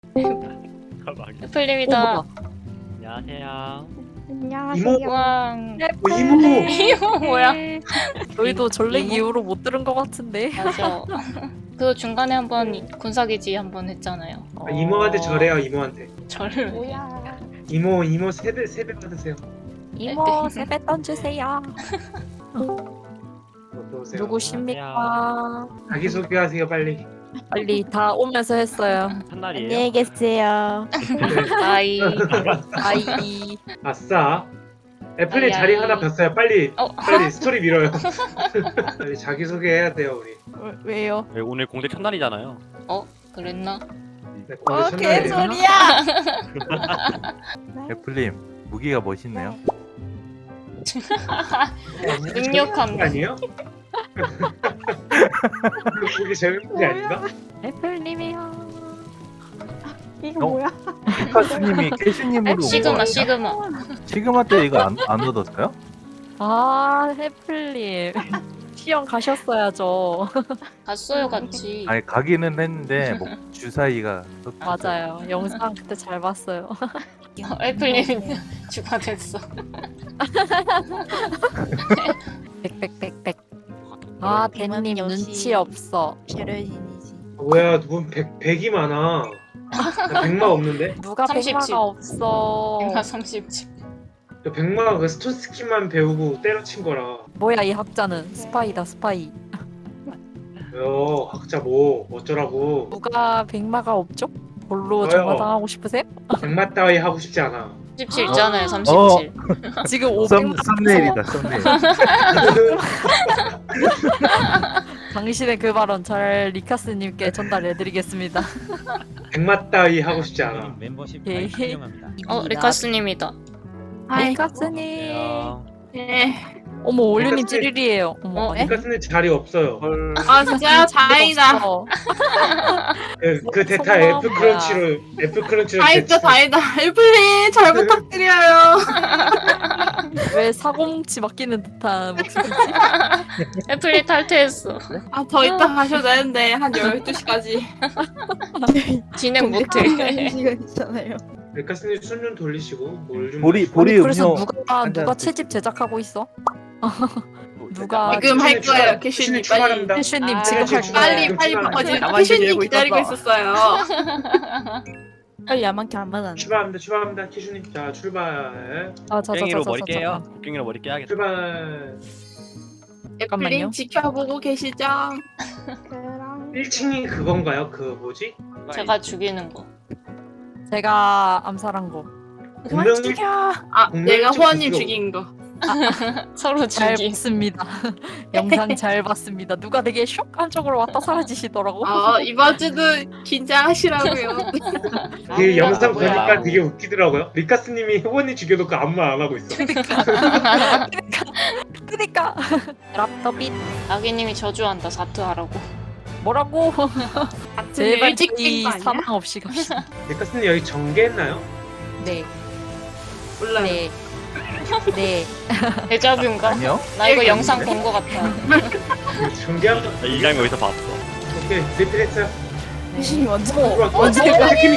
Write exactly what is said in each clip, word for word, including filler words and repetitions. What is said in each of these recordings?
가방이. 애플님이다. 어, 안녕하세요. 안녕하세요. 왕. 어, 이모. 이거 뭐야? 저희도 전렉 이모? 이후로 못 들은 것 같은데. 맞아. 그 중간에 한번 군사기지 한번 했잖아요. 아, 이모한테 절해요, 이모한테. 저를 왜? 뭐야? 이모, 이모 세배 세배 받으세요. 이모 세배 던주세요. 어서 오세요. 누구십니까? 자기 소개하세요, 빨리. 빨리 다 오면서 했어요. 첫날이에요. 안녕히 계세요. 네. 아이. 아이. 아싸. 애플님 아이, 자리 아이. 하나 폈어요. 빨리, 어. 빨리 스토리 밀어요. 빨리 자기 소개해야 돼요, 우리. 왜, 왜요? 네, 오늘 공대 첫날이잖아요. 그랬나? 네, 어, 오늘 첫날이에요. 개소리야! 애플님 무기가 멋있네요. 능력한 거. 아니에요? 그게 재밌는 게 아닌가? 애플님이요. 이거 어? 뭐야? 카스님이 캐슈님으로 온 거 시그마 아니야? 시그마. 시그마 때 이거 안, 안 얻었어요? 아 애플님. 시험 가셨어야죠. 갔어요 같이. 아니 가기는 했는데 뭐 주사위가 섞였어요. 맞아요. 영상 그때 잘 봤어요. 어, 애플님 추가됐어. 백백백백. 아 댄님 역시- 눈치 없어. 배려진이지. 뭐야, 누군 백, 백이 많아. 나 백마 없는데? 누가 삼십 집. 백마가 없어. 백마 삼십칠. 저 백마 그 스톤 스킨만 배우고 때려친 거라. 뭐야 이 학자는 스파이다 스파이. 왜요? 학자 뭐 어쩌라고? 누가 백마가 없죠? 뭘로 저요. 정마당하고 싶으세요? 백마 따위 하고 싶지 않아. 삼십칠 있잖아요. 삼십칠. 지금 썸, 오백만 썸네일이다 썸네일. 당신의 그 발언 잘 리카스님께 전달해드리겠습니다. 백마 따위 하고 싶지 않아. 멤버십 예. 가입 환영합니다. 어 리카스님이다. 리카스님. 안녕. 네. 어머 올류님 리카스- 찌릿이에요. 어머. 어, 에? 니카스는 자리 없어요. 헐. 아 진짜요? 다행이다. 없어. 그, 그 데이터 성공한 애플 거야. 크런치로 애플 크런치로 다행이다 대충- 다행이다. 애플님 잘 부탁드려요. 왜 사고뭉치 맡기는 듯한 목소리지? 애플이 탈퇴했어. 아 더 이따 가셔도 되는데 한 열두 시까지. 진행 못해. 시간 있잖아요. 니카스님 손 좀 돌리시고 뭘 좀. 보리 보리 아니, 그래서 음료 누가 한 누가 잔 채집 제작하고 있어? 누가 지금 할 거예요, 캐슈님, 빨리. 출발합니다. 캐슈님 아, 지금 할 지금 거예요. 빨리 빨리 지금 어제 나만 캐슈님 기다리고 기다리고 있었어. 있었어요. 빨리 야만케 안 받았네. 출발합니다. 출발합니다. 키슈님 자 출발. 아, 자, 자, 깽이로 자, 머리 자, 자, 깨요. 자. 깽이로 머리 깨야겠다. 출발. 잠깐만요. 애플님 지켜보고 계시죠? 그럼 일 층이 그건가요? 그 뭐지? 제가 죽이는 거. 제가 암살한 거. 분명 일 아 분명히 내가 좀 호원님 부끄러워. 죽인 거. 서로 잘 죽이. 봤습니다. 영상 잘 봤습니다. 누가 되게 쇼한쪽으로 왔다 사라지시더라고. 아 이번 주도 긴장하시라고요. 그 아, 영상 뭐야. 보니까 되게 웃기더라고요. 리카스님이 후원님 죽여놓고 아무 말 안 하고 있어. 그니까. 랍더빗 아기님이 저주한다. 사투하라고. 뭐라고? 제발 일찍 이 깬거 아니야? 사망 없이 갑시다. 리카스님 여기 전개했나요? 네, 몰라요. 네, 네. 데자뷰인가? 아니요? 나 이거 영상 본 거 같아. 전개한 거. 나 이 장면 어디서 봤어? 오케이 리필했어요. 캐슈님 완전 들어와. 어, 어, 제발. 치킨이.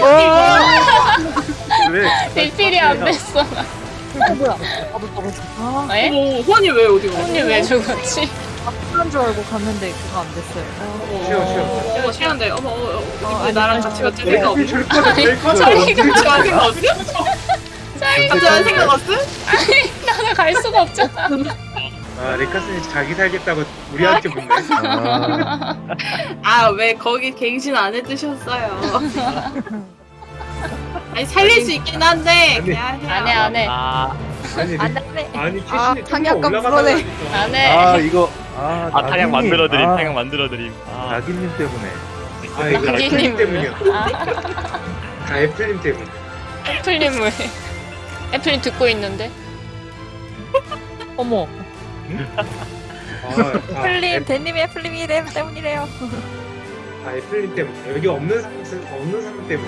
왜? 리필이 안 됐어. 어, 뭐야? 나도 떨어져. 아, 에? 어머 호원님 왜 어디 가? 언니 왜 죽었지? 그런 줄 알고 갔는데 그거 안 됐어요. 쉬어 쉬어. 어머 시간대. 어머 어머 어머. 어, 왜 나랑 같이 갔지? 우리 생각 리필 없어? 줄 거야. 줄 거야. 저희가 저한 생각 없어? 저한 생각 없어? 나는 갈 수가 없잖아. 아 리카스님 자기 살겠다고 우리한테 붙네. 아, 아 왜 거기 갱신 안 해두셨어요? 아니 살릴 수 있긴 한데 아니, 그냥 해요. 안 해, 안 해. 아, 아니 리, 안 돼. 아니 아, 캐시님 탕이 좀 아까 올라가다가 불어내. 안 해. 아 이거 아, 아 타격 나기님. 만들어드림. 아, 타격 만들어드림. 아, 나기님 때문에. 아 이거 나기님 애플님 때문이야. 아, 다 애플님 때문에. 애플님 왜? 애플님 듣고 있는데? 어머, 아, 다 플림, 애- 대님이 애플님이 이래 때문이래요. 다 애플님 때문에. 여기 없는 사람 없는 사람 때문에.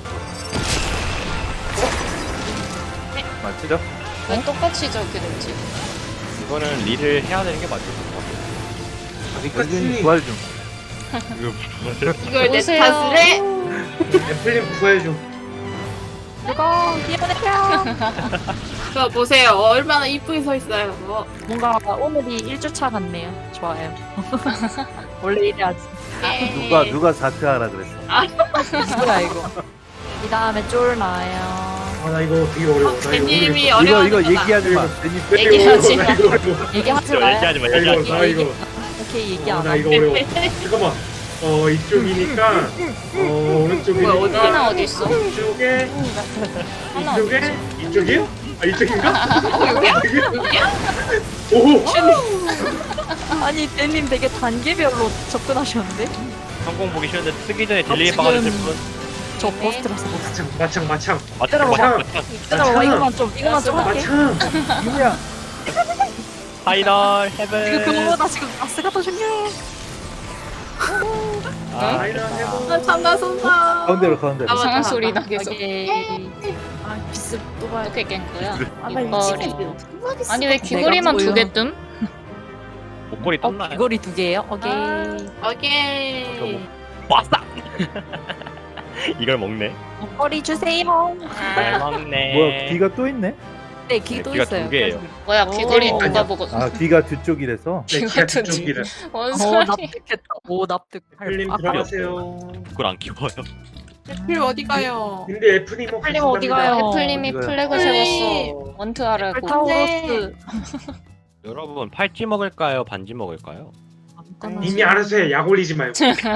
맞죠? 왜 똑같이 저렇게 됐지? 이거는 릴을 해야 되는 게 맞을 것 같아. 아, 여기는 리카스님 부활 중. 이걸 내 오세요. 탓을 해? 애플님 구해줘. 누가 기어내려. 저 보세요. 얼마나 이쁘게 서 있어요. 어. 뭔가 오늘이 일 주차 같네요. 좋아요. 원래 이래야지. 누가 누가 사퇴 하라 그랬어. 뭐야 이거. 이 다음에 쫄 나요. 아 나 이거 되게 어려워. 나 이거 님 모르겠어. 이 이거 어려워. 이거 얘기하지 마. 괜히 나 이거 얘기하지 어려워, 나 이거 어려워. 얘기하지 저 마요. 얘기하지 마 나 이거 얘기하지 마 나 이거 오케이 얘기 어, 안 나 하고. 이거 어려워. 잠깐만. 어 이쪽이니까 어 오른쪽이니까 뭐야, 어디? 하나 어디 있어? 이쪽에 하나 어디 이쪽에 있어? 이쪽이요? 아 이쪽인가? 여기야? 여기야? 오! 아니 대님 되게 단계별로 접근하셨는데? 성공 보기 싫은데 쓰기 전에 딜레이 지금- 박아주실 분 저 버스트라서 못. 마창 마창 마창 맞죠 때려봐. 맞죠 얘들아 와 이거만 좀 이거만 좀 할게. 마창 누구야? 파이널 지금 헤븐 그거보다 지금 아스가 더 중요해. 아, 아이라 해보 아, 참나 손나. 가운데로 가운데로. 아, 맞다, 이상한 맞다. 소리 나 계속. 오케이. 아 비스 또 봐야 돼. 어떻게 깬 거야? 아나 머리. 미치겠어. 아니 왜 귀걸이만 내가 두 개 뜸? 목걸이 어 떴나요? 귀걸이 두 개예요? 오케이. 오케이. 빠싸 이걸 먹네 목걸이 주세요. 잘 먹네 뭐야 귀가 또 있네? 네, 귀 또 귀가 있어요. 두 개예요. 뭐야 귀걸이 오. 누가 보고 아 귀가 두 쪽이라서. 내 기가 기가 트지. 쪽이라 뭔 오 소리? 납득했다. 오 납득. 애플님 아, 들어가세요 그걸 안 키워요 애플 어디 가요? 근데 애플님 애플님 어디 가요? 애플님이 어디가요? 플래그 세웠어. 원트 하라고. 타우로스. 여러분 팔찌 먹을까요 반지 먹을까요? 이미 알아서 해. 약 올리지 말고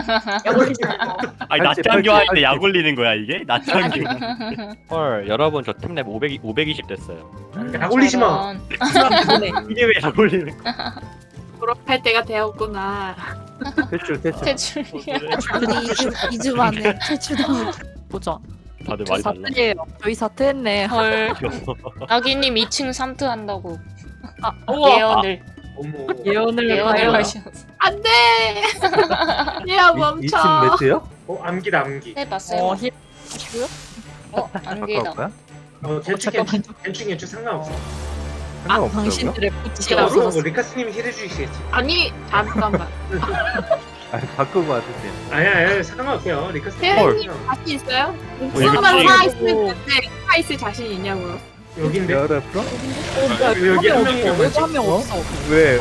아니 팔찌, 낮장교 팔찌, 할때 팔찌. 약 올리는 거야 이게? 낮장교 헐 여러분 저 팀랩 오백, 오백이십 됐어요 약 올리지 마 저런. 이게 왜 약 올리는 거야 졸업할 때가 되었구나. 퇴출 퇴출. 퇴출이야. 우리 이 주 만에 퇴출당한. 보자. 다들 저희 많이 달라 사퇴예요. 저희 사퇴했네. 헐. 아기님 이 층 삼트 한다고. 아, 우와. 예언을 어머 예언을 예언을 봐요. 하셨어. 안 돼! 얘야 이 층 멈춰. 매트요? 어 암기다 암기 해봤어요. 어 힐. 하시고요? 어 안개다. 가까울까요? 어 괜찮 잠깐만. 괜찮 괜찮 괜찮 상관없어 아 상관없어요. 당신들의 아, 부치가 어, 뭐 없어졌어. 리카스님이 힐해주시겠지 아니, 잠깐만. 아 바꾸고 와주세요. 아야 아야 상관없어요 리카스님 혜연님 자신 있어요? 이거 목숨만 지금- 살아있을 텐데 살아있을 자신 있냐고요? 여긴데 열어 풀어? 여기 한 명이 여기 남았지? 한명 어? 없어. 왜?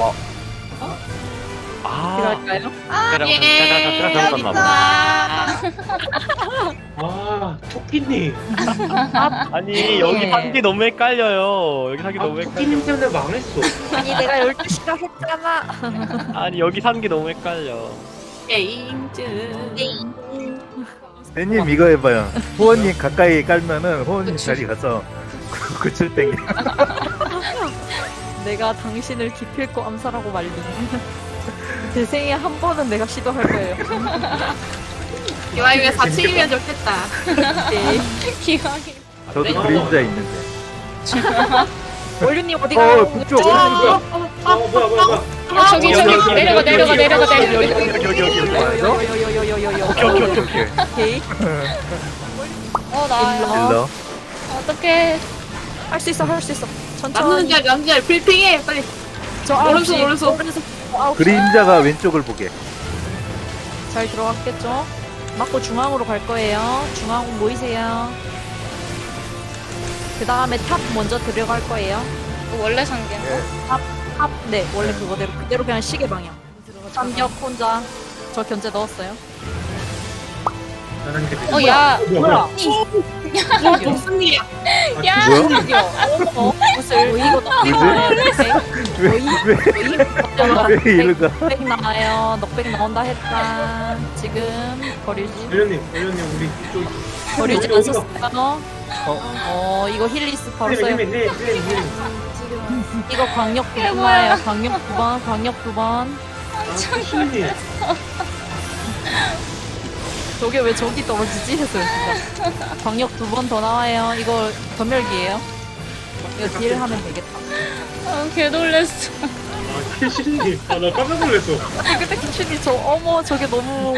아 그럴까요? 제가 잘못 봤나 봐 아 토끼님 아니 여기 산게 너무 헷갈려요 여기 산게 아 너무 토끼님 헷갈려 때문에 망했어 아니 내가 열두 시라 했잖아. 아니 여기 산 게 너무 헷갈려 게임즈. 대님 이거 해봐요. 호원님 가까이 깔면은 호원님 자리 가서 구출 땡겨. 내가 당신을 기필코 암살하고 말림. 제 생에 한 번은 내가 시도할 거예요. 이 와중에 사 층이면 좋겠다. 오케이. 기왕이. 저도 네. 그림자 있는데. 원류님 어디 어 가요? 북쪽. 어, 어, 어 뭐야 뭐야 뭐야 아, 저기 여기, 저기 여기, 내려가 여기, 내려가 여기, 내려가 여기, 내려가. 여기, 여기, 여기, 여기, 여기. 요요요요요요요. 오케이 오케이 오케이 오케이 오케이. 어 나요. 일러. 어떡해. 할 수 있어 할 수 있어. 남는 천천히. 자 남자 브리핑해 빨리. 저 오른손, 아홉 시. 오른손. 아홉 시. 그림자가 왼쪽을 보게. 잘 들어갔겠죠? 맞고 중앙으로 갈 거예요. 중앙 모이세요. 그 다음에 탑 먼저 들어갈 거예요. 이거 원래 상계인가? 탑, 네, 원래 그거대로 그대로 그냥 시계 방향. 삼격 혼자. 저 견제 넣었어요. 나랑 이렇게 어 야. 뭐야 뭐 무슨 일이야? 야. 뭐야? 어, 무슨 뭐 이거 왜왜 왜 이리 가? 넉백 나와요. 넉백 나온다 했다. 지금 버리지. 멜련님 멜련님 우리 이쪽 버리지 어디, 어디가? 않았어요. 어, 이거 힐리스 바로 써요. 힐링 힐링 힐링 힐링 이거 광역 두 번 나와요. 광역 두 번, 광역 두 번. 토끼님 저게 왜 저기 떨어지지 했어요, 진짜. 광역 두 번 더 나와요. 이거 검열기예요. 이거 딜 하면 되겠다. 아, 개 놀랬어. 아 캐시님 아나 깜짝 놀랐어 근데 키춘이 저 어머 저게 너무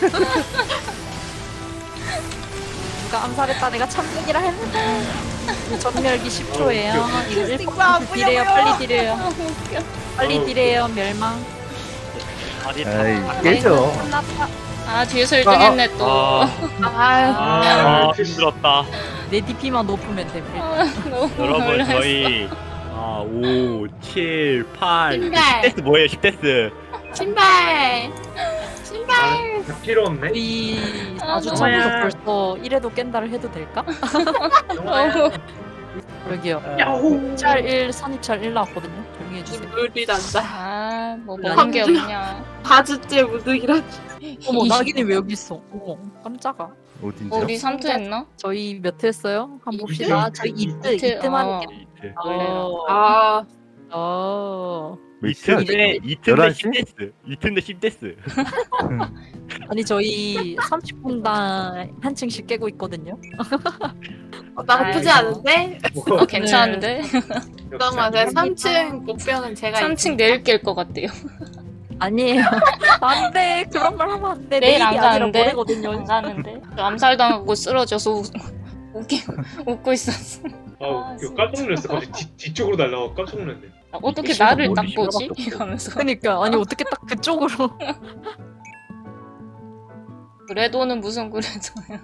누가 암살했다 내가 참견이라 했는데 전멸기 십 초예요. 이거 일 퍼센트 딜해요. 빨리 딜해요. 아 웃겨. 빨리 딜해요. 멸망. 아니 아이 깨져. 끝났다. 아 뒤에서 일 등 했네 또. 아, 아, 아 아, 힘들었다. 내 디피만 높으면 돼. 아, 너무 여러분 놀랐어. 저희 아, 오, 칠, 팔, 신발. 십 데스 뭐예요? 십 데스. 신발. 신발. 다 필요 없네. 우리 아, 아주 너무 차면서 좋아. 벌써 이래도 깬다를 해도 될까? 너무 여기요. 야호. 입찰 일, 선입찰 일 나왔거든요. 조용히 해주세요. 물이 난다. 아뭐 먹는 게 없냐. 바주째 무득이라. 어머, 낙인이 왜 여기 있어? 어머, 깜짝아. 어딘지. 어, 우리 삼 트 했나? 저희 몇 회 했어요? 한번 봅시다. 저희 이트, 이트, 이트만 어. 할게요. 이트. 어. 아, 어. 이트인데 이트인데 열한 시? 십 데스. 이트인데 십 데스. 아니, 저희 삼십 분당 한 층씩 깨고 있거든요. 어, 나쁘지 아이고. 않은데? 어 괜찮은데? 잠깐만, 삼 층 목표는 제가 삼 층 내일 깰 것 같대요. 아니에요. 안 돼. 그런 말 하면 안 돼. 내일 안 내일이 아니라 가는데? 모레거든요. 안 가는데? 암살당하고 쓰러져서 웃, 웃기, 웃고 있었어. 아, 이거 깜짝 놀랐어. 갑자기 뒤, 뒤쪽으로 날라가 깜짝 놀랐네. 아, 어떻게 씨발, 나를 딱 머리 보지? 씨발밖에 없어. 이러면서. 그러니까 아니 어떻게 딱 그쪽으로. 그래도는 무슨 그래도야.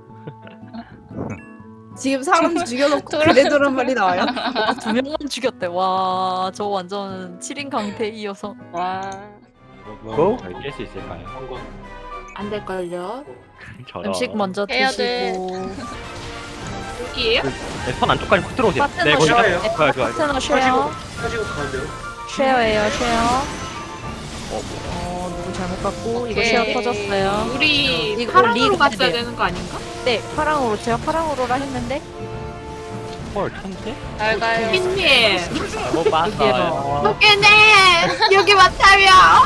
지금 사람 죽여놓고 돌아- 그래도란 말이 나와요? 와, 두 명만 죽였대. 와, 저 완전 칠 인 강태이어서. 와. 고? 저희 깰 수 있을까요? 한번 안 될걸요? 저런. 음식 먼저 해야 돼. 드시고. 여기에요? 네, 선 안쪽까지 훅 들어오세요. 파트너 네, 거기 쉐어. 좋아요. 좋아요, 좋아요, 좋아요. 파트너 쉐어. 가지고 가지고 가운데로. 쉐어예요, 쉐어. 어, 누구 잘못 갔고 이거 오케이. 쉐어 터졌어요. 우리 이거 파랑으로 리그 갔어야 해야 돼요. 되는 거 아닌가? 네, 파랑으로 제가 파랑으로라 했는데 헐, 천재? 잘 가요. 핀님, 잘못 봤어요. 토끼님, 여기 맞다며.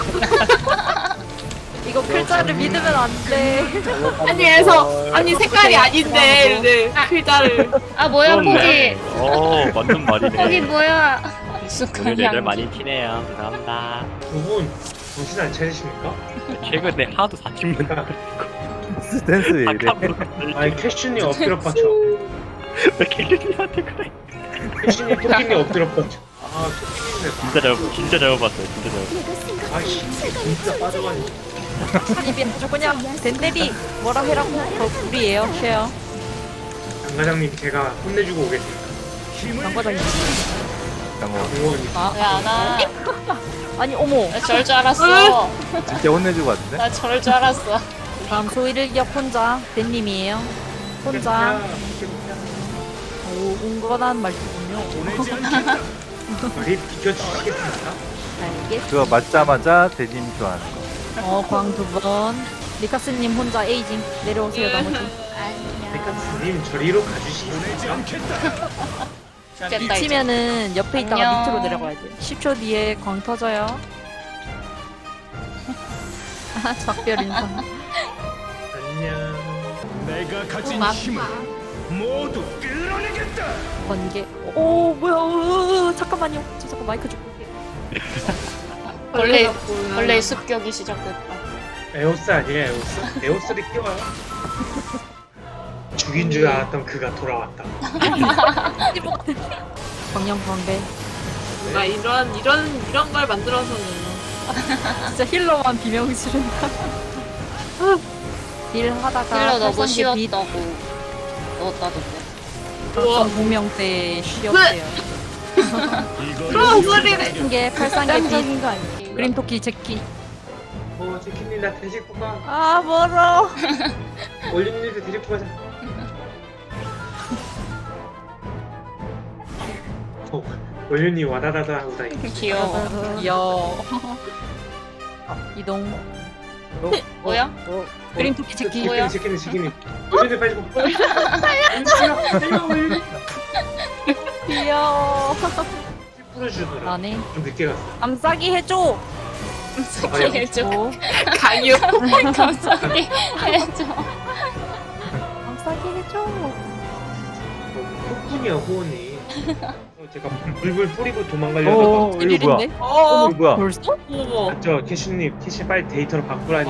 이거 글자를 믿으면 안 돼. 아니, 그래서, 아니, 색깔이 아닌데, 네, 글자를. 아 뭐야 포기. 어, 맞는 포기 말이네. 뭐야. 오늘 익숙한 애들 향기. 많이 티네요. 죄송합니다. 두 분 정신 안 차리십니까? 최근에 하도 사칭문 스탠스 왜 이래? 아니 캐슈님 엎드려 빠져. 왜 킬리한테 그래? 캐슈님 토끼님 엎드려 빠져. 아 토끼님네. 진짜 잘못, 진짜 잘못 봤어요. 진짜 잘못. 아이씨 진짜 빠져가지고. 입이 아주 그냥 덴데리 뭐라 해라고 더 우리예요, 쉐어. 장 과장님 제가 혼내주고 오겠습니다. 장과장님. 장어. 공무원님. 아, 왜 안 와? 아니 어머. 나 저럴 줄 알았어. 진짜 혼내주고 왔는데? 나 저럴 줄 알았어. 다음 소희를 기억 혼자 댄님이에요. 혼자. 오, 온건한 말투군요. 우리 비켜주시겠습니까? 알겠. 그거 맞자마자 대님 좋아하는 거. 어, 광 두 번. 리카스님 혼자 에이징 내려오세요 나머지. 백가스님 저리로 가주시겠습니까? 죽겠다 이제. 미치면은 옆에 있다가 안녕. 밑으로 내려가야 돼. 십 초 뒤에 광 터져요. 아, 작별 인사. 안녕. 내가 가진 어, 힘을 모두 끌어내겠다. 번개. 오, 뭐야? 으, 잠깐만요. 저 잠깐 마이크 좀. 원래 원래 습격이 시작됐다. 에오스 아니에요 에오스? 에오스를 끼워요? 죽인 줄 알았던 그가 돌아왔다. 광영 광배. 뭔가 이런, 이런, 이런 걸 만들어서는. 진짜 힐러만 비명 지른다. 딜 하다가 힐러 너무 팔성기 빛 쉬웠다고 넣었다던데. 우와. 팔성 공명대 쉬었대요. 그런 소리를. 한개 팔상계 깜짝인 빛 거 아니야? 그린 토끼 제키. 어 제키님 나 데리고 가. 아 멀어. 올림님도 데리고 가자. 어, 올림님 와다다다 하고 다니. 귀여워. 여. 이동. 뭐야? 그린 토끼 제키. 뭐야? 제키님 제키님 제키님. 올림님 빨리 고. 달려 달려 올림. 귀여워. 풀어주더라. 안해. 좀 늦게 갔어. 감싸기 해줘. 갑자기 해줘. 오. 강요. 갑자기 해줘. 감싸기 해줘. 폭군이야 호원이. 어, 제가 불불 뿌리고 도망가려다가 어, 이거 뭐야? 일인데? 어, 이거 뭐야? 벌써? 어머. 맞죠 캐슈님 캐슈 빨리 데이터로 바꾸라니까.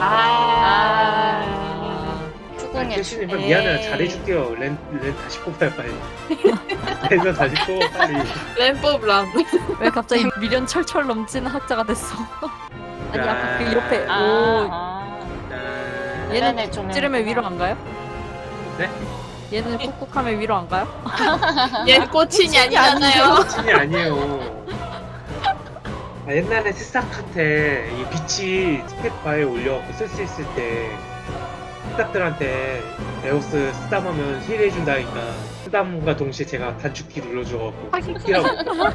아. 아, 추궁해. 캐슈님 빨리 미안해요 잘해줄게요. 렌, 렌 다시 뽑아요 빨리. 렌 다시 뽑아 빨리. 램법 람. 왜 갑자기 미련 철철 넘치는 학자가 됐어? 아니 아까 그 옆에 아, 오 아. 짠. 얘는 네네, 조명. 찌르면 위로 안 가요? 네? 얘는 꾹꾹하면 위로 안 가요? 얘 꼬친이 아니잖아요. 신이 아니에요. 아, 옛날에 새싹한테 이 빛이 스펙바에 올려갖고 쓸 수 있을 때 새싹들한테 에오스 쓰담하면 힐해준다니까 쓰담과 동시에 제가 단축키 눌러줘갖고 힐하고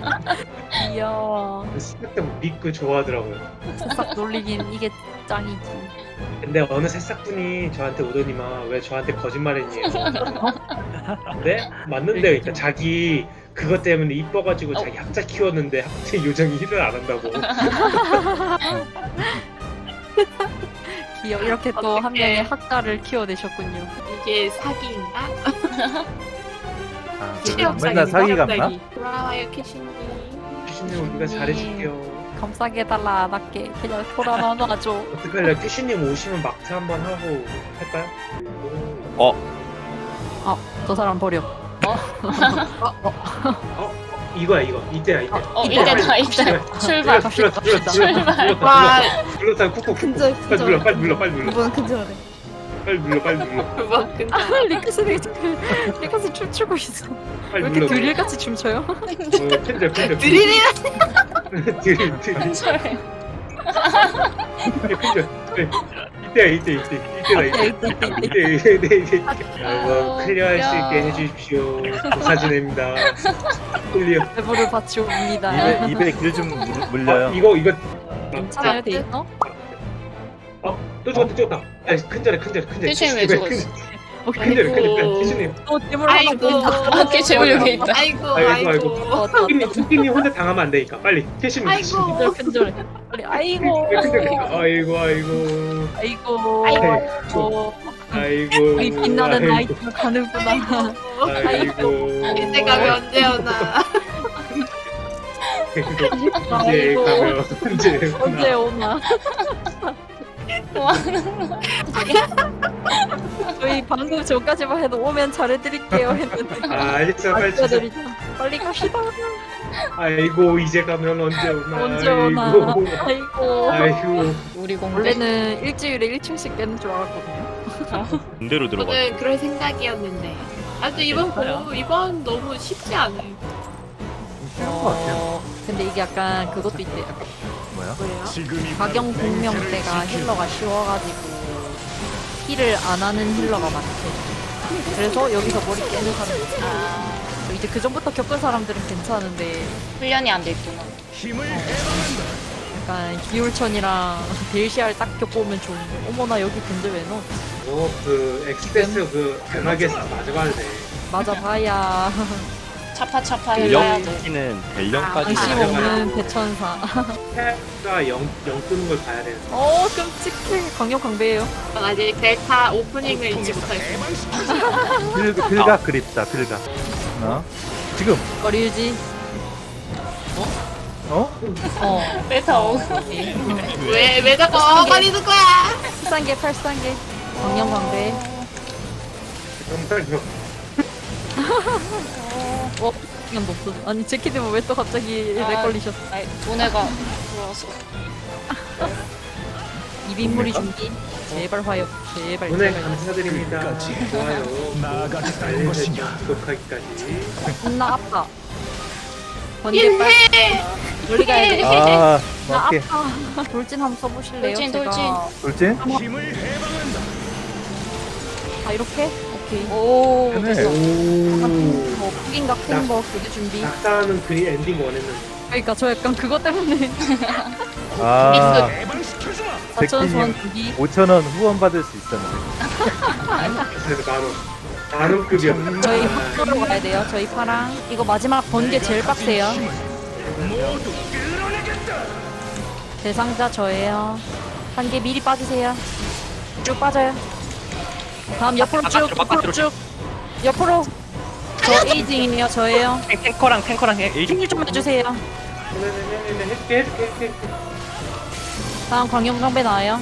귀여워. 새싹들 믿고 좋아하더라고요. 새싹 놀리긴 이게 짱이지. 근데 어느 새싹분이 저한테 오더니만 왜 저한테 거짓말했니? 근데 맞는데 그러니까 자기 그것 때문에 이뻐가지고 자기 학자 키웠는데 학자 요정이 힐을 안 한다고. 귀여워. 이렇게 또 한 어떡해. 명의 학자를 키워내셨군요. 이게 사기인가? 아, 체험 맨날 사기 사기인가? 같나? 돌아와요 캐시님. 큐시님 우리가 잘해줄게요. 감싸게 해달라 안 할게. 그냥 돌아만 놔줘. 어떡할래? 큐시님 오시면 막타 한번 하고 할까요? 저 사람 버려. 어? 이거야 이거 이때야 이때. 어, 이때다, 이때. 출발. 눌렀다 눌렀다 눌렀다 와, 눌렀다 눌렀다 쿡쿡 쿡쿡 근절, 빨리 근절. 눌러 빨리 눌러 빨리 눌러 이번 근절해. 빨리 눌러 빨리 눌러 그만 근데. 아, 리크스 리크스 춤추고 있어. 왜 빨리 이렇게 눌러. 드릴같이 춤춰요? 어, 캔들 캔들 드릴이야. 드릴 드릴 캔들 이때야 이때 이때 이때다 이때 이때 이때 이때 이때 여러분 클리어할 수 있게 해주십시오. 조사진입니다. 클리어. 대보를 바치 옵니다. 입에 입에 길 좀 물려요. 아, 이거 이거 괜찮아요, 돼 있어? 또 죽었다 죽었다. 야, 큰절해 큰절해 큰절해. 큐시님 왜 죽었어? 큰절해 큰절해. 큐시님. 또 대물 하나 아이고. 보인다. 어깨 제물 여기 있다. 아이고, 아이고, 아이고. 어, 다 두끼님 두끼님 혼자 당하면 안 되니까 빨리. 큐시님. 아이고. 큰절해. 빨리 아이고. 아이고 아이고. 아이고. 아이고. 아이고. 이 빛나는 아이고. 나이트가 가는구나. 아이고. 이제 가면 언제 오나. 이제 아이고. 가면 언제 언제 오나. 오나. 와, 저희 방금 전까지만 해도 오면 잘해드릴게요 했는데. 아 알겠어 빨리 주세요. 알려드리자. 빨리 갑시다. 아이고 이제 가면 언제 오나. 언제 오나. 아이고. 아이고. 아이고. 우리 공대. 원래는 일주일에 일 층씩 깨는 줄 알았거든요. 군대로 들어가. 저는 그럴 생각이었는데. 아, 또 이번 괜찮아요. 고 이번 너무 쉽지 않아요. 어, 근데 이게 약간 그것도 있대요. 뭐야? 뭐예요? 지금이 박영 공명 때가 힐러가 쉬워가지고 힐을 안 하는 힐러가 많대. 그래서 여기서 머리 깨는 사람이 있어. 아, 이제 그 전부터 겪은 사람들은 괜찮은데 훈련이 안 돼 있구나. 힘을 해방한다. 약간 기울천이랑 델시알 딱 겪어오면 좋은데 어머나 여기 근데 왜 넣어? 너그 엑스패스 그 변하게 맞아가야 돼. 맞아봐야 차파차파 해봐야 돼. 델령까지는 델령까지 관심 맞아요. 없는 대천사. 패가 영, 영 뜨는 걸 봐야 돼. 어 끔찍해. 강력 강배예요. 전 아직 델타 오프닝을 잊지 못했어요. 빌 빌각 그립다 빌각. 어? 지금 거리 유지. 어? 어. 베타 오. 왜, 왜 자꾸 어거리는 거야? 팔 개 팔 개 강력 강배. 정말요. 어? 시간 없어. 아니 제키님은 왜 또 갑자기 아. 렉 걸리셨어? 아니, 돈에가 들어와서. 이빈무리 준비. 제발 화요. 제발. 오늘 제발. 감사드립니다. 끝까지. 좋아요. 나아가겠다는 것이냐. 알려주시고 구독하기까지. 존나 아파. 번개 빨. 멀리 가야 돼. 아 나 오케이. 아파. 돌진 한번 써보실래요? 돌진, 제가. 돌진. 돌진? 힘을 해방한다. 아 이렇게? 오케이. 오, 네. 됐어. 오. 뭐 푸긴가 큰거 그게 준비. 낙사하는 그리 엔딩 원했는데. 그러니까 저 약간 그것 때문에 아 해방시켜주마. 사천 소원 백기님 준비. 오천 원 후원 받을 수 있었는데. 그래서 만원. 만원급이었어. 저희 학교로 가야 돼요. 저희 파랑. 이거 마지막 번개 제일 빡세요. 모두 끌어내겠다. 대상자 저예요. 한 개 미리 빠지세요. 쭉 빠져요. 다음 옆으로 쭉, 바깥으로, 옆으로 바깥으로 쭉. 옆으로. 저 에이징이에요. 저예요. 탱- 탱커랑 탱커랑 에이징 힘좀 해주세요. 네네네네 해줄게 해줄게 해줄게. 다음 광역강배 나와요.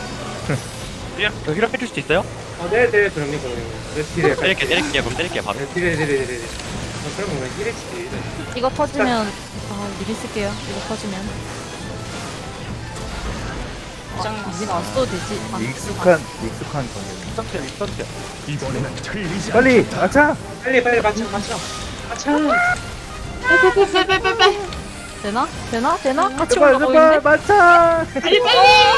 힐업 해줄 수 있어요? 어, 네네 그럼요 그럼요. 네, 딜해. 때릴게 때릴게요. 그럼 때릴게요. 바로. 네, 딜해 딜해 딜해 딜해. 어, 그럼 뭐 힐해지지. 이거 터지면 아 미리 쓸게요. 이거 터지면 짱나. 우린 안 써도 되지. 아, 익숙한 익숙한 경력. 익선택 익선택. 이번에는 틀리지 않 빨리 아차. 빨리 빨리 맞춰 맞춰 맞춰. 빼빼빼빼빼빼. 되나? 되나? 되나? 같이 제발 올라가고 제발 있네. 맞차. 빨리 빨리.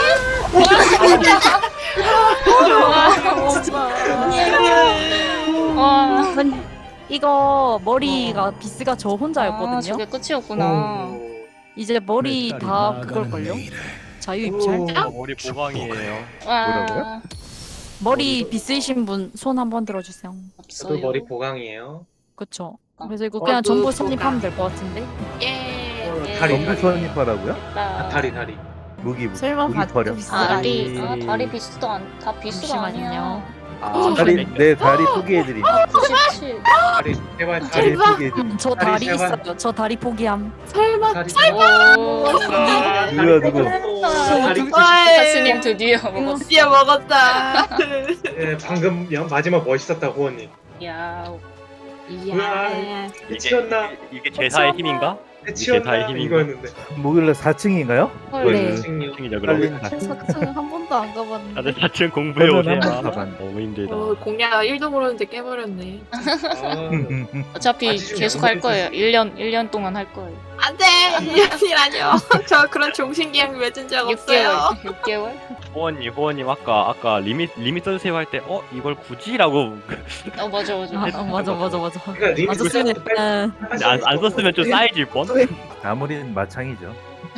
와. 아니, 이거 머리가 비스가 저 아, 혼자였거든요. 저게 끝이었구나. 이제 머리 내 딸이 다 나아가는 그걸걸요? 일. 자유 입찰? 어, 머리 보강이에요. 와. 뭐라고요? 머리 비스이신 분 손 한번 들어주세요. 없어요. 저도 머리 보강이에요. 그쵸? 어. 그래서 이거 그냥 어, 전부 그 선입하면 될 것 같은데? 예. 어, 예. 다리 전부 다리. 선입하라고요? 나 다리 다리. 무기 무기 설마 무기 봐도 버려. 비싸다. 다리 아 다리 비스도 안 다 비스가 아니야. 잠시만요. 아, 다리 내 다리 소개해드림. 구십칠. 다리 제발 다리. 다리 대박. 소개해드림. 저 다리 다리 제발. 있어요. 저 다리 포기함. 설마. 다리. 오. 누구야, 누구? 다리. 가스님 드디어 먹었어. 드디어 먹었다. 예, 방금 영- 마지막 멋있었다 호원님. 야. 이야. 끝이었나? 이게 제사의 힘인가? 끝이었나? 다의 힘인가? 이거였는데. 목요일날 사 층인가요? 헐. 네. 생략. 층이죠 빨리 그럼. 사층 한 번도 안 가봤는데. 다들 사 층 공부해 저는 오세요. 한번 가봤는데. 너무 힘들다. 어, 공략 일도 모르는데 깨버렸네. 아, 어차피 아직 좀 계속 할 양보해주세요. 거예요. 일 년 일 년 동안 할 거예요. 안 돼! 이년이라뇨. 저 그런 종신계약 맺은 적 육 개월. 없어요. 육 개월? 호원님 호원님 아까 아까 리밋 리밋 써주세요 할 때 어 이걸 굳이라고 어 맞아 맞아. 아, 어, 맞아 맞아 맞아. 그러니까 리미트 안 썼으면 세트 빼- 응. 안, 안 썼으면 좀 싸해질 뻔. 아무린 마창이죠.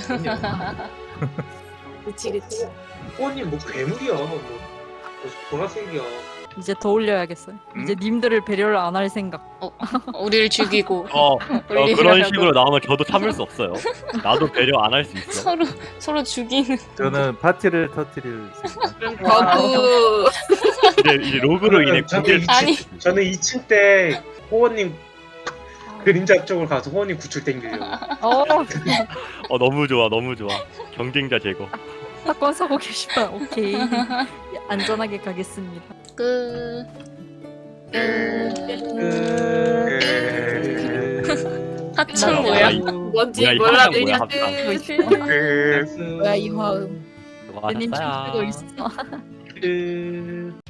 그치 그치. 호원님 뭐 괴물이야. 뭐, 뭐 보라색이야. 이제 더 올려야겠어요. 음? 이제 님들을 배려를 안 할 생각. 우리를 죽이고 어, 어 올리려고. 그런 식으로 나오면 저도 참을 수 없어요. 나도 배려 안 할 수 있어. 서로 서로 죽이는. 저는 파티를 터뜨릴 생각. 그럼 거부. 이제 이제 로그로 인해 저는 구딜 이 아니. 층- 저는 이 층 때 호원님 그림자 쪽으로 가서 호원님 구출 땡기려고. 어, 어 너무 좋아 너무 좋아. 경쟁자 제거. 사건 사고 계시면 오케이. 안전하게 가겠습니다. 끝. 끝. 하층 어, 뭐야? 이- 뭔지 뭐야, 이 몰라도 합장 그냥 뭐야, 끝. 뭐야 이 화음. 님 수고하셨어요. 춤추고 있어. 끝.